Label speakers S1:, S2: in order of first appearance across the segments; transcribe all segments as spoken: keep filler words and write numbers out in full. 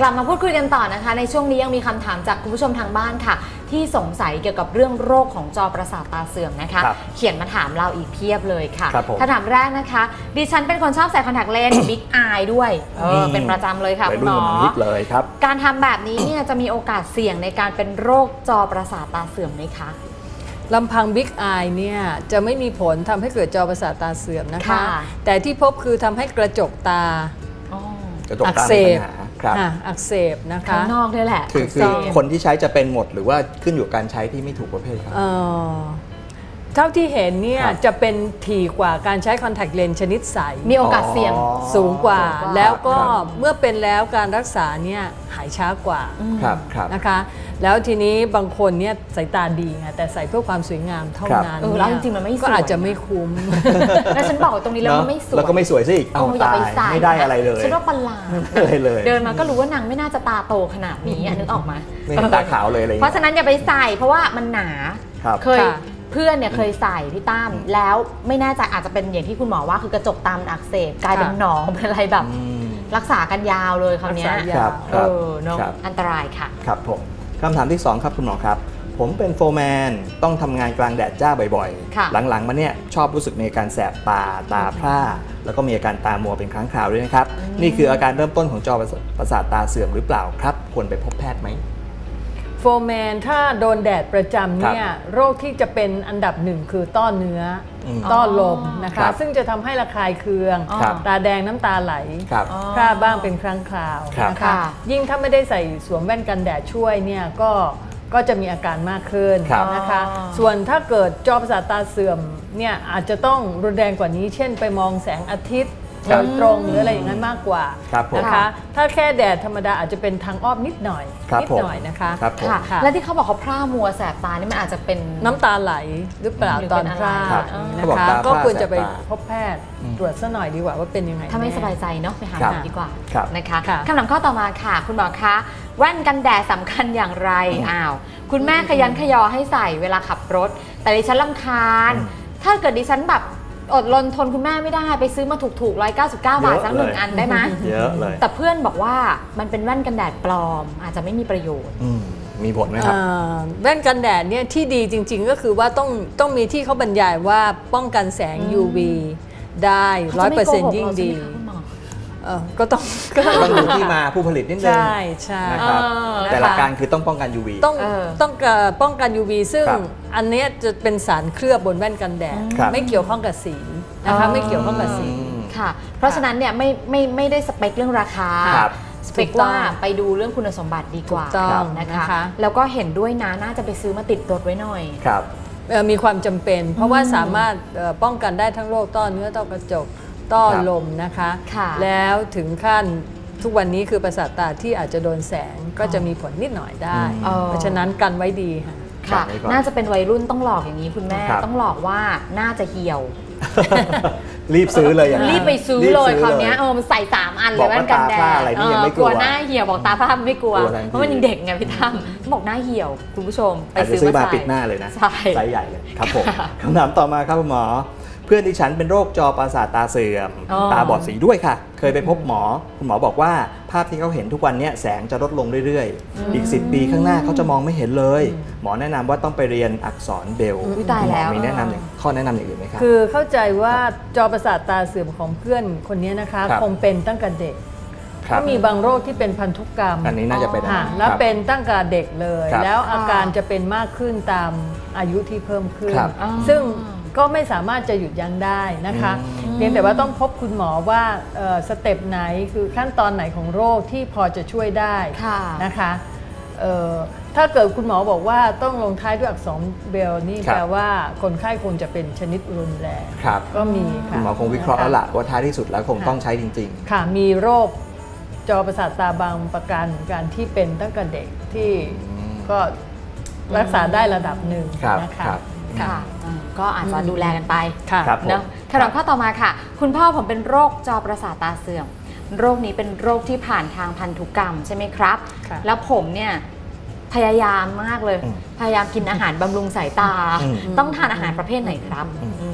S1: กลับมาพูดคุยกันต่อนะคะในช่วงนี้ยังมีคำถามจากคุณผู้ชมทางบ้านค่ะที่สงสัยเกี่ยวกับเรื่องโรคของจอประสาทตาเสื่อมนะคะเขียนมาถามเราอีกเพียบเลยค่ะคำถามแรกนะคะดิฉันเป็นคนชอบใส่คอนแทคเลนส์ บิ๊กอายด้วยเออเป็นประจำเลยค่ะคุณหมอ
S2: เลยครับ
S1: การทำแบบนี้เนี่ยจะมีโอกาสเสี่ยงในการเป็นโรคจอประสาทตาเสื่อมไหมคะ
S3: ลำพังบิ๊กอายเนี่ยจะไม่มีผลทำให้เกิดจอประสาทตาเสื่อมนะคะแต่ที่พบคือทำให้กระจกตาอักเสบอักเสบนะคะ
S1: ข้างนอกนี่แหละ
S2: คือคือคนที่ใช้จะเป็นหมดหรือว่าขึ้นอยู่กับการใช้ที่ไม่ถูกประเภทครับ
S3: เท่าที่เห็นเนี่ยจะเป็นถี่กว่าการใช้คอนแทคเลนส์ชนิดใส
S1: มีโอกาสเสี่ยง
S3: สูงกว่าแล้วก็เมื่อเป็นแล้วการรักษาเนี่ยหายช้ากว่านะคะแล้วทีนี้บางคนเนี่ยสายตาดีไงแต่ใส่เพื่อความสวยงามเท่านั้น
S1: แล้วจริงๆมันไม่สวย
S3: ก็อาจจะไม่คุ้ม
S1: แล้วฉันบอกตรงนี้แล้วมันไม่สวย
S2: แล้วก็ไม่สวยสิเอาตายไม่ได้อะไรเลย
S1: ฉันว่าประหลาดเดินมาก็รู้ว่านางไม่น่าจะตาโตขนาดนี้นึกออกมา
S2: ไม่ตาขาวเลยอะไร
S1: เพราะฉะนั้นอย่าไปใส่เพราะว่ามันหนาเคยเพื่อนเนี่ยเคยใส่พี่ตั้มแล้วไม่แน่ใจอาจจะเป็นอย่างที่คุณหมอว่าคือกระจกตามันอักเสบกลายเป็นหนองเป็นอะไรแบบรักษากันยาวเลยคราวนี้เออเนาะอันตรายค่ะ
S2: ครับผมคำถามที่สองครับคุณหมอครับผมเป็นโฟร์แมนต้องทำงานกลางแดดจ้าบ่อยๆหลังๆมาเนี่ยชอบรู้สึกมีอาการแสบตาตาพร่าแล้วก็มีอาการตามัวเป็นครั้งคราวด้วยนะครับนี่คืออาการเริ่มต้นของจอประสาทตาเสื่อมหรือเปล่าครับควรไปพบแพทย์ไหม
S3: โฟร์แมนถ้าโดนแดดประจำเนี่ยโรคที่จะเป็นอันดับหนึ่งคือต้อเนื้อต้อลมนะคะซึ่งจะทำให้ระคายเคืองตาแดงน้ำตาไหลพร่าบ้างเป็นครั้งคราวนะคะยิ่งถ้าไม่ได้ใส่สวมแว่นกันแดดช่วยเนี่ยก็ก็จะมีอาการมากขึ้นนะคะส่วนถ้าเกิดจอประสาทตาเสื่อมเนี่ยอาจจะต้องรุนแรงกว่านี้เช่นไปมองแสงอาทิตย์โดยตรงหรืออะไรอย่างนั้นมากกว่านะคะถ้าแค่แดดธรรมดาอาจจะเป็นทางอ้อมนิดหน่อยนิดหน่อยนะคะ
S1: และที่เขาบอกเขาพร่ามัวแสบตานี่มันอาจจะเป็น
S3: น้ำตาไหลหรือเปล่าตอนพร่านะคะก็ควรจะไปพบแพทย์ตรวจซะหน่อยดีกว่าว่าเป็นยังไง
S1: ถ้าไม่สบายใจเนาะไปหาหมอดีกว่านะคะคำถามข้อต่อมาค่ะคุณหมอคะแว่นกันแดดสำคัญอย่างไรอ้าวคุณแม่ขยันขยอให้ใส่เวลาขับรถแต่ดิฉันรำคาญถ้าเกิดดิฉันแบบอดรนทนคุณแม่ไม่ได้ไปซื้อมาถูกๆหนึ่งร้อยเก้าสิบเก้าบาทสักหนึ่งอันได้ไหม
S2: เยอะเลย
S1: แต่เพื่อนบอกว่ามันเป็นแว่นกันแดดปลอมอาจจะไม่มีประโยชน์
S2: มีผลไหมครับ
S3: แว่นกันแดดเนี่ยที่ดีจริงๆก็คือว่าต้องต้องมีที่เขาบรรยายว่าป้องกันแสง ยู วี ได้ ร้อยเปอร์เซ็นต์ ยิ่งดีก็ต้อง
S2: ต้องดูที่มาผู้ผลิตนิดนึง
S3: ใช่ใช่
S2: นะครับแต่หลักการคือต้องป้องกัน ยู วี
S3: ต้องต้องป้องกัน ยู วี ซึ่งอันนี้จะเป็นสารเคลือบบนแว่นกันแดดไม่เกี่ยวข้องกับสีนะคะไม่เกี่ยวข้องกับสี
S1: ค่ะเพราะฉะนั้นเนี่ยไม่ไม่ไม่ได้สเปคเรื่องราคาสเปคว่าไปดูเรื่องคุณสมบัติดีกว่านะคะแล้วก็เห็นด้วยนะน่าจะไปซื้อมาติดรถไว้หน่อย
S2: ครับ
S3: มีความจำเป็นเพราะว่าสามารถป้องกันได้ทั้งโรคต้อเนื้อต้อกระจกต้อลมนะคะแล้วถึงขั้นทุกวันนี้คือประสาทตาที่อาจจะโดนแสงก็จะมีผลนิดหน่อยได้เพราะฉะนั้นกันไว้ดีค่ะ
S1: ค่ะน่าจะเป็นวัยรุ่นต้องหลอกอย่างนี้คุณแม่ต้องหลอกว่าน่าจะเหี่ยว
S2: รีบซื้อเลยอย่าง
S1: รีบไปซื้อเลยคราวนี้เออมันใส่สามอันเลยแว่นกันแดดกลัวหน้าเหี่ยวบอกตาผ้าไม่กลัวเพราะมันยังเด็กไงพี่ตั้มบอกหน้าเหี่ยวคุณผู้ชม
S2: ไปซื้อมาปิดหน้าเลยนะไซส์ใหญ่เลยครับผมคำถามต่อมาครับคุณหมอเพื่อนที่ฉันเป็นโรคจอประสาทตาเสื่อมตาบอดสีด้วยค่ะเคยไปพบหมอคุณหมอบอกว่าภาพที่เขาเห็นทุกวันนี้แสงจะลดลงเรื่อยๆอีกสิบปีข้างหน้าเขาจะมองไม่เห็นเลยหมอแนะนำว่าต้องไปเรียนอักษรเบรลล์
S1: คุณหมอ
S2: มีแนะนำอย่างข้อแนะนำอย่างอื่นไหมครับ
S3: คือเข้าใจว่าจอประสาทตาเสื่อมของเพื่อนคนนี้นะคะคงเป็นตั้งแต่เด็กก็มีบางโรคที่เป็นพันธุกรรม
S2: อันนี้น่าจะเป็น
S3: แล้วเป็นตั้งแต่เด็กเลยแล้วอาการจะเป็นมากขึ้นตามอายุที่เพิ่มขึ้นซึ่งก็ไม่สามารถจะหยุดยั้งได้นะคะเพียงแต่ว่าต้องพบคุณหมอว่าสเต็ปไหนคือขั้นตอนไหนของโรคที่พอจะช่วยได้นะคะถ้าเกิดคุณหมอบอกว่าต้องลงท้ายด้วยอักษรเบรลล์นี่แปลว่าคนไข้คงจะเป็นชนิดรุนแรงก็มี
S2: คุณหมอคงวิเคราะห์แล้วล่ะว่าท้ายที่สุดแล้วคงต้องใช้จริง
S3: ๆค่ะมีโรคจอประสาทตาบางประการการที่เป็นตั้งแต่เด็กที่ก็รักษาได้ระดับหนึ่งนะคะ
S1: ค่ะก็อาจจะดูแลกันไปเนาะคำถามข้อต่อมาค่ะคุณพ่อผมเป็นโรคจอประสาทตาเสื่อมโรคนี้เป็นโรคที่ผ่านทางพันธุกรรมใช่ไหมครับแล้วผมเนี่ยพยายามมากเลยพยายามกินอาหารบำรุงสายตาต้องทานอาหารประเภทไหนครับ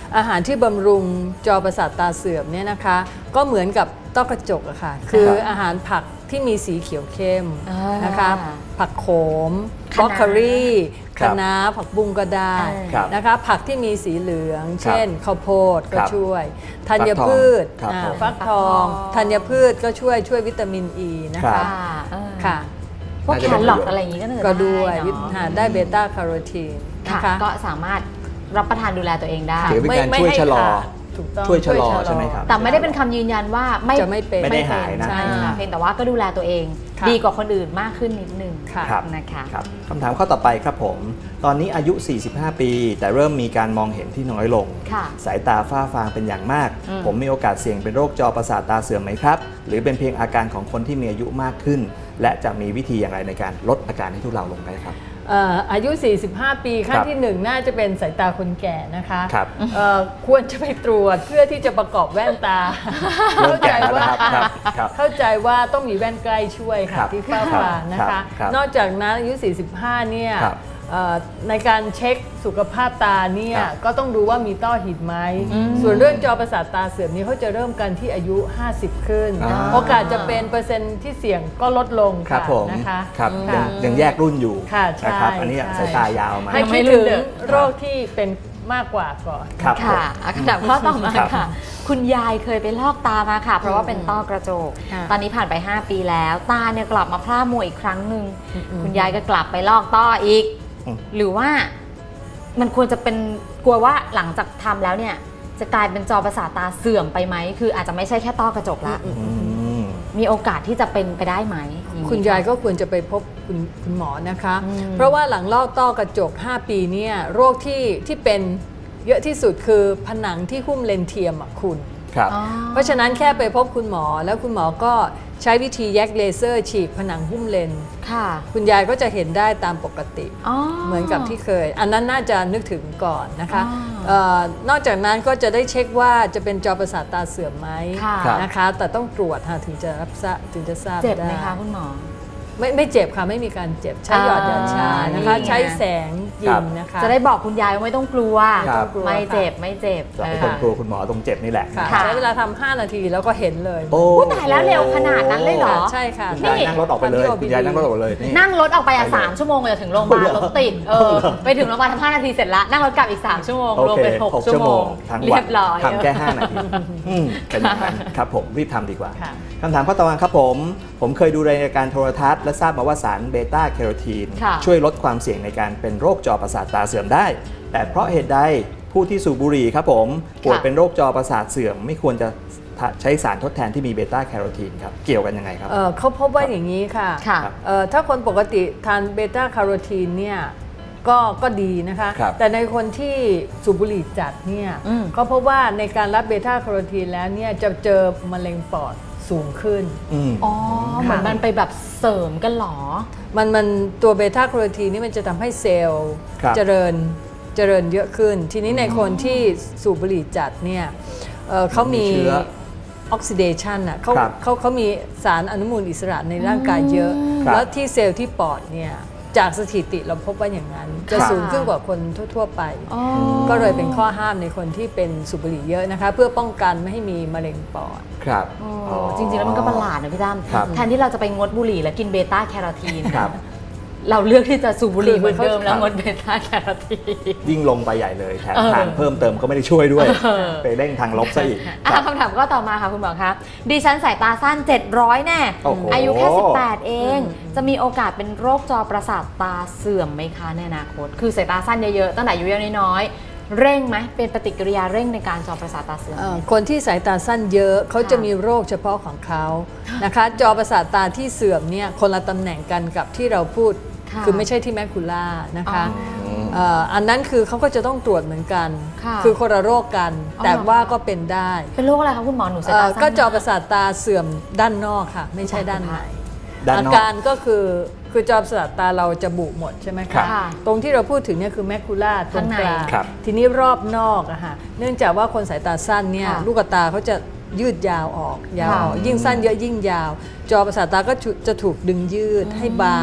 S3: อาหารที่บำรุงจอประสาทตาเสื่อมเนี่ยนะคะก็เหมือนกับต้อกระจกอะค่ะคืออาหารผักที่มีสีเขียวเข้มนะคะผักโขมบรอกโคลีคะน้าผักบุ้งก็ได้นะคะผักที่มีสีเหลืองเช่นข้าวโพดก็ช่วยธัญพืชฟักทองธัญพืชก็ช่วยช่วยวิตามินอ e ีนะคะค่ะ
S1: พวกแครอทอะไรอย่างนี้ก็ได้
S3: ก็ด้วยได้เบต้าแคโรทีนนะคะ
S1: ก็สามารถรับประทานดูแลตัวเองได้
S2: ถือเป็นการช่วยชะลอช่วยชะลอใช่ไหมครับ
S1: แต่ไม่ได้เป็นคำยืนยันว่าไม่
S3: จะไม่เป็น
S2: ไม่ได้หายนะ
S1: เพียงแต่ว่าก็ดูแลตัวเองดีกว่าคนอื่นมากขึ้นนิดนึงนะคะ
S2: คำถามข้อต่อไปครับผมตอนนี้อายุสี่สิบห้าปีแต่เริ่มมีการมองเห็นที่น้อยลงสายตาฝ้าฟางเป็นอย่างมากผมมีโอกาสเสี่ยงเป็นโรคจอประสาทตาเสื่อมไหมครับหรือเป็นเพียงอาการของคนที่มีอายุมากขึ้นและจะมีวิธีอย่างไรในการลดอาการให้ทุเลาลงได้ครับ
S3: อายุ สี่สิบห้า ปีขั้นที่หนึ่งน่าจะเป็นสายตาคนแก่นะคะควรจะไปตรวจเพื่อที่จะประกอบแว่นตาเข้าใจว่าเข้าใจว่าต้องมีแว่นใกล้ช่วยค่ะที่ฝ้าฟางนะคะนอกจากนั้นอายุ สี่สิบห้า เนี่ยในการเช็คสุขภาพตาเนี่ยก็ต้องดูว่ามีต้อหินไหมส่วนเรื่องจอประสาทตาเสื่อมนี้เขาจะเริ่มกันที่อายุห้าสิบขึ้นโอกาสจะเป็นเปอร์เซ็นต์ที่เสี่ยงก็ลดลงค่ะนะคะ
S2: ครับยังแยกรุ่นอยู่นะครับอันนี้สายตายาวมา
S3: ให้คิดถึงโรคที่เป็นมากกว่าก่อน
S1: ค่ะคำถามข้อต่อมาค่ะคุณยายเคยไปลอกตามาค่ะเพราะว่าเป็นต้อกระจกตอนนี้ผ่านไปห้าปีแล้วตาเนี่ยกลับมาพร่ามัวอีกครั้งหนึ่งคุณยายก็กลับไปลอกต้ออีกหรือว่ามันควรจะเป็นกลัวว่าหลังจากทำแล้วเนี่ยจะกลายเป็นจอประสาทตาเสื่อมไปไหมคืออาจจะไม่ใช่แค่ต้อกระจกละมีโอกาสที่จะเป็นไปได้ไหม
S3: คุณยายก็ควรจะไปพบคุณคุณหมอนะคะเพราะว่าหลังลอกต้อกระจกห้าปีเนี่ยโรคที่ที่เป็นเยอะที่สุดคือผนังที่หุ้มเลนส์เทียมอะคุณเพราะฉะนั้นแค่ไปพบคุณหมอแล้วคุณหมอก็ใช้วิธีแยกเลเซอร์ฉีกผนังหุ้มเลนส์คุณยายก็จะเห็นได้ตามปกติเหมือนกับที่เคยอันนั้นน่าจะนึกถึงก่อนนะคะนอกจากนั้นก็จะได้เช็คว่าจะเป็นจอประสาทตาเสื่อมไหมนะคะแต่ต้องตรวจถึงจะรับทราบถึงจะทราบได้
S1: เจ็บไหมคะคุณหมอ
S3: ไม่ไม่เจ็บค่ะไม่มีการเจ็บใช้หยอดยาชานะคะใช้แสงยิงนะคะ
S1: จะได้บอกคุณยายว่าไม่ต้องกลัวไม่เจ็บไม่เจ็บ
S2: คนกลัวคุณหมอตรงเจ็บนี่แหละ
S3: ใช้เวลาทำห้านาทีแล้วก็เห็นเลย
S1: โอ้ตายแล้วเร็วขนาดนั้นเลยเหรอ
S3: ใช่ค่ะ
S2: คุณยายนั่งรถออกไปเลยคุณยายนั่งรถออกไปเลย
S1: นั่งรถออกไปอ่ะสามชั่วโมงจะถึงโรงพยาบาลรถติดเออไปถึงโรงพยาบาลทำห้านาทีเสร็จแล้วนั่งรถกลับอีกสามชั่วโมงรวมเป็นหกชั่วโมง
S2: เรียบร้อยทำแค่ห้านาทีเป็นอย่างนั้นครับผมรีบทำดีกว่าคำถามข้อต่อมาครับผมผมเคยดูรายการโทรทัศน์และทราบมาว่าสารเบต้าแคโรทีนช่วยลดความเสี่ยงในการเป็นโรคจอประสาทตาเสื่อมได้แต่เพราะเหตุใดผู้ที่สูบบุหรี่ครับผมป่วยเป็นโรคจอประสาทเสื่อมไม่ควรจะใช้สารทดแทนที่มีเบต้าแคโรทีนครับเกี่ยวกันยังไงครับ
S3: เ, เขาพบว่าอย่างนี้ค่ะถ้าคนปกติทานเบต้าแคโรทีนเนี่ยก็ก็ดีนะคะแต่ในคนที่สูบบุหรี่จัดเนี่ยเขาพบว่าในการรับเบต้าแคโรทีนแล้วเนี่ยจะเจอมะเร็งปอดสูงขึ้น
S1: อ๋อเหมือนมันไปแบบเสริมกันหรอ
S3: มันมันตัวเบต้าแคโรทีนนี่มันจะทำให้เซลล์เจริญเจริญเยอะขึ้นทีนี้ในคนที่สูบบุหรี่จัดเนี่ยเขามีออกซิเดชันอ่ะเขาเขาเขามีสารอนุมูลอิสระในร่างกายเยอะแล้วที่เซลล์ที่ปอดเนี่ยจากสถิติเราพบว่าอย่างนั้นจะสูงขึ้นกว่าคนทั่วๆไปก็เลยเป็นข้อห้ามในคนที่เป็นสูบบุหรี่เยอะนะคะเพื่อป้องกันไม่ให้มีมะเร็งปอด
S2: ครับ
S1: จริงๆแล้วมันก็ประหลาดนะพี่ตั้มแทนที่เราจะไปงดบุหรี่แล้วกินเบต้าแคโรทีนเราเลือกที่จะสูบบุหรี่เหมือนเดิมแล้วงดเบต้าแคโรทีน
S2: ยิ่งลงไปใหญ่เลยแถมทานเพิ่มเติมก็ไม่ได้ช่วยด้วยไปเร่งทางลบซะอีก
S1: คำถามก็ต่อมาค่ะคุณหมอคะดิฉันสายตาสั้นเจ็ดร้อยแน่อายุแค่สิบแปดเองจะมีโอกาสเป็นโรคจอประสาทตาเสื่อมไหมคะในอนาคตคือสายตาสั้นเยอะๆตั้งแต่อายุยังน้อยเร่งไหมเป็นปฏิกิริยาเร่งในการจอประสาทตาเสื่อม
S3: คนที่สายตาสั้นเยอะเขาจะมีโรคเฉพาะของเขานะคะจอประสาทตาที่เสื่อมเนี่ยคนละตำแหน่งกันกับที่เราพูดคือไม่ใช่ที่แมคคูล่านะคะอันนั้นคือเขาก็จะต้องตรวจเหมือนกันคือคนละโรคกันแต่ว่าก็เป็นได้
S1: เป็นโรคอะไรคะคุณหมอหนูสายตาสั้น
S3: ก็จอประสาทตาเสื่อมด้านนอกค่ะไม่ใช่ด้านในอาการก็คือคือจอประสาทตาเราจะบุหมดใช่ไหมคะตรงที่เราพูดถึงเนี่ยคือแมคคูล่าตรงกลางทีนี้รอบนอกอะค่ะเนื่องจากว่าคนสายตาสั้นเนี่ยลูกตาเขาจะยืดยาวออกยาวออกยิ่งสั้นเยอะยิ่งยาวจอประสาทตาก็จะถูกดึงยืดให้บาง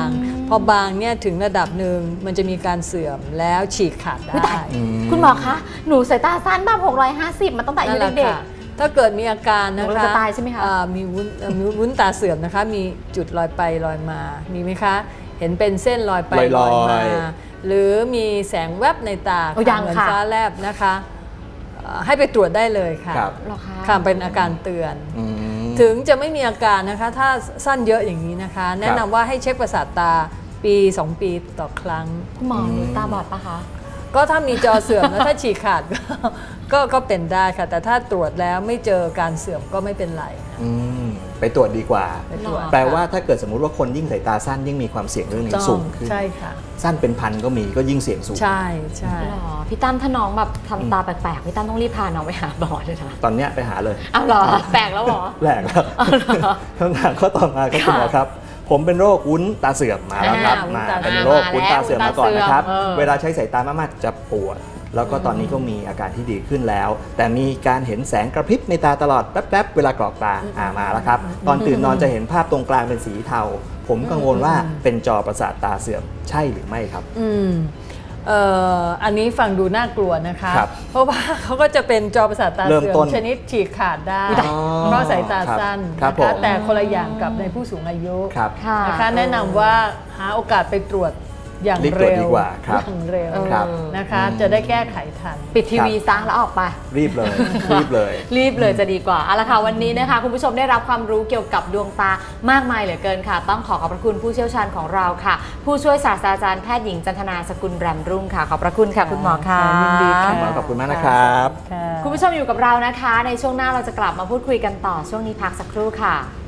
S3: พอบางเนี่ยถึงระดับหนึ่งมันจะมีการเสื่อมแล้วฉีกขาดได้
S1: คุณหมอคะหนูสายตาสั้นแบบหกร้อยห้าสิบมาตั้งแต่อายุเด็ก
S3: ถ้าเกิดมีอาการนะคะ
S1: เราจะตายใช่ไหมคะ
S3: มีวุ้นมีวุ้นตาเสื่อมนะคะมีจุดลอยไปลอยมามีไหมคะเห็นเป็นเส้นลอยไปลอยมาหรือมีแสงแวบในตาเหมือนฟ้าแลบนะคะให้ไปตรวจได้เลยค่ะค่ะเป็นอาการเตือนถึงจะไม่มีอาการนะคะถ้าสั้นเยอะอย่างนี้นะคะแนะนำว่าให้เช็คประสาทตาปีสองปีต่อครั้ง
S1: คุณหมอหนูตาบอดปะคะ
S3: ก็ถ้ามีจอเสื่อมแล้วถ้าฉีกขาดก็ก็เป็นได้ค่ะแต่ถ้าตรวจแล้วไม่เจอการเสื่อมก็ไม่เป็นไร
S2: ไปตรวจดีกว่าแปลว่าถ้าเกิดสมมุติว่าคนยิ่งสายตาสั้นยิ่งมีความเสี่ยงเรื่องนี้สูงขึ้น
S3: ใช่ค่ะ
S2: สั้นเป็นพันก็มีก็ยิ่งเสี่ยงสูง
S3: ใช่ใช่
S1: พี่ตั้มถ้าน้องแบบทำตาแปลกๆพี่ตั้มต้องรีบพาน้องไปหาหมอเลยนะ
S2: ตอนเนี้ยไปหาเลย
S1: อ้าวเหรอแปลกแล้วเหรอ
S2: แปลกแล้วคำถามข้อต่อมาครับคุณหมอครับผมเป็นโรควุ้นตาเสื่อมมาแล้วครับมาเป็นโรควุ้นตาเสื่อมมาก่อนนะครับเวลาใช้สายตามากๆจะปวดแล้วก็ตอนนี้ก็มีอาการที่ดีขึ้นแล้วแต่มีการเห็นแสงกระพริบในตาตลอดแป๊บๆเวลากรอกตาอ่ามาแล้วครับตอนตื่นนอนจะเห็นภาพตรงกลางเป็นสีเทาผมกังวลว่าเป็นจอประสาทตาเสื่อมใช่หรือไม่ครับ
S3: อืมเอ่ออันนี้ฟังดูน่ากลัวนะคะเพราะว่าเขาก็จะเป็นจอประสาทตาเสื่อมชนิดฉีกขาดได้เพราะสายตาสั้นนะคะแต่คนละอย่างกับในผู้สูงอายุนะคะแนะนำว่าหาโอกาสไปตรวจอย่างเร็วอย่างเร็วนะคะจะได้แก้ไขทัน
S1: ปิดทีวีซะแล้วออกไป
S2: รีบเลยรีบเลย
S1: รีบเลยจะดีกว่าเอาละค่ะวันนี้นะคะคุณผู้ชมได้รับความรู้เกี่ยวกับดวงตามากมายเหลือเกินค่ะต้องขอขอบพระคุณผู้เชี่ยวชาญของเราค่ะผู้ช่วยศาสตราจารย์แพทย์หญิงจันทนาสกุลแรมรุ่งค่ะขอบพระคุณค่ะคุณหมอค่ะ
S3: ยินดีค่ะ
S2: ขอบคุณมากนะครับ
S1: คุณผู้ชมอยู่กับเรานะคะในช่วงหน้าเราจะกลับมาพูดคุยกันต่อช่วงนี้พักสักครู่ค่ะ